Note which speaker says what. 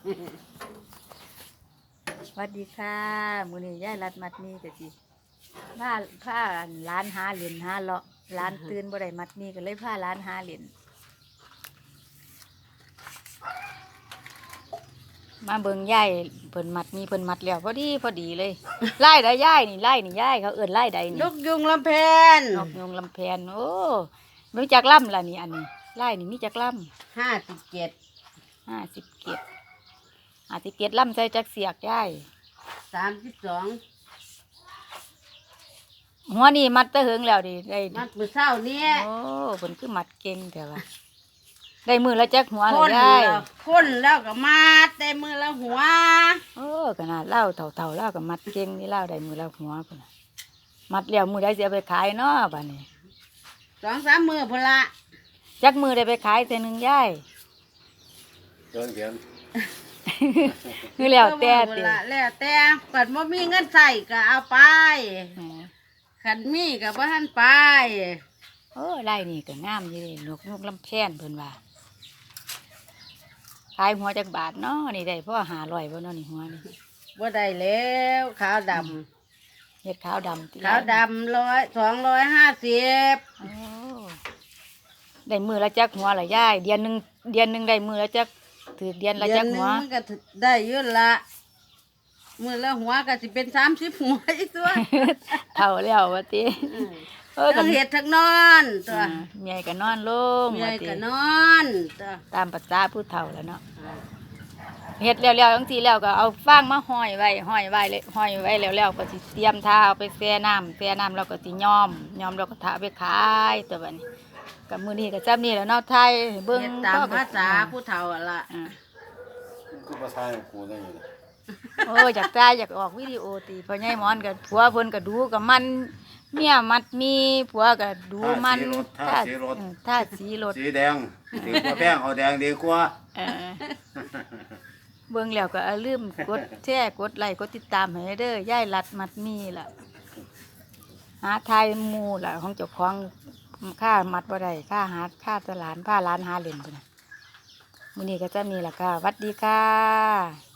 Speaker 1: สวัสดีค่ะมื้อนี้ยายรัดมัดมีก็สิพาร้านหาเหรียญหาเลาะร้านตื่นบ่ได้มัดมีก็เลยพาร้านหาเหรียญมาเบิ่งยายเพิ่นมัดมีเพิ่นมัดแล้วพอดีเลยไล่ได้ยายนี่ไล่นี่ยายเขาเอิ้นไล่ใดนี่
Speaker 2: นกยุงลำแพน
Speaker 1: นกยงลำแพนโอ้มีจักล่ำล่ะนี่อันนี้ไล่นี่มีจักล่ำ
Speaker 2: 57
Speaker 1: 57ล่ำใส่จักเสียกยาย
Speaker 2: 32
Speaker 1: หัวนี่มัดตะเหิงแล้วดิได้
Speaker 2: มัดมื้อเช้านี้
Speaker 1: โอ้เพิ่นคือมัดเก่งแต่ว่าได้มือละจักหัวเล
Speaker 2: พ่
Speaker 1: ย
Speaker 2: น
Speaker 1: ยาย
Speaker 2: แล้วพ่นแล้วก็มัดแต่มือละหัว
Speaker 1: โอ้ขนาดเล่าเท่าเล่ากับมัดเก่งนี่เล่าได้มือละหัวพุ่นน่ะมัดแล้วมือได้สิเอาไปขายเนาะบัดนี้
Speaker 2: 2-3 มื้อพุ่นละ
Speaker 1: จักมือได้ไปขายแต่หนึงยาย
Speaker 3: เดินเขียน
Speaker 1: คือแล้วแต่
Speaker 2: พุ่
Speaker 1: ติ
Speaker 2: นละแล้วแต่เปิดบ่มีเงินใส่ก็เอาไปคันมีก็บ่ทันไป
Speaker 1: โอ้ไล่นี่ก็งามอยู่เด้นกลำแพนเพิ่นว่าขายหัวจักบาทเนาะนี่ได้พ่อ500บ่เนาะนี่หัวนี่
Speaker 2: บ่ได้แล้วขาวดำ
Speaker 1: เฮ็ดขาวดำติ
Speaker 2: ขาวดำ250
Speaker 1: โอ้ได้มือละจักหัวละยายเดือนหนึงได้มือละจักถือเดือนละจักหัว
Speaker 2: เดือนหนึ่งมันก็ได้เยอะละมือละหัวก็สิเป็น30หัวอีกตัว
Speaker 1: เท่าแล้วว่าติกั
Speaker 2: ทั้งเห็ดทั้งนอนตัว
Speaker 1: เมียก็นอนลง
Speaker 2: เมีย
Speaker 1: ว่าติ
Speaker 2: ก็นอนตัว
Speaker 1: ตามภาษาผู้เฒ่าแล้วเนาะเฮ็ดแล้วๆจังซี่แล้วก็เอาฟางมาห้อยไว้เลยห้อยไว้แล้วก็สิเตรียมท่าเอาไปแช่น้ำแล้วก็สิย้อมแล้วก็ท่าเอาไปขายตัวบัดนี้ก็มื้อนี้ก็จำนี่แหล้วเนาะไทยเบิ่ง
Speaker 2: เฮ็ดตามภาษาผู้เฒ่าอะล่ะ
Speaker 3: กูภาษาของกูได้ยังไง
Speaker 1: โอ้อยากตายอยากออกวิดีโอติพ่อใหญ่หมอนก็ผัวเพิ่นก็ดูก็มันเมียมัดมีผัวก็ดูมันท่าสีรถ
Speaker 3: สีแดงดีกว่าแป้งเอาแดงดีกว่า
Speaker 1: เออเบิ่งแล้วก็อย่าลืมกดแชร์กดไลค์กดติดตามให้เด้อยายรัดมัดมีล่ะหาทายหมู่ล่ะของเจ้าของค่ามัดบ่ได้ค่าตลาดพาร้านหาเล่นพุ่นน่ะมื้อนี้ก็จะมีล่ะค่ะสวัสดีค่ะ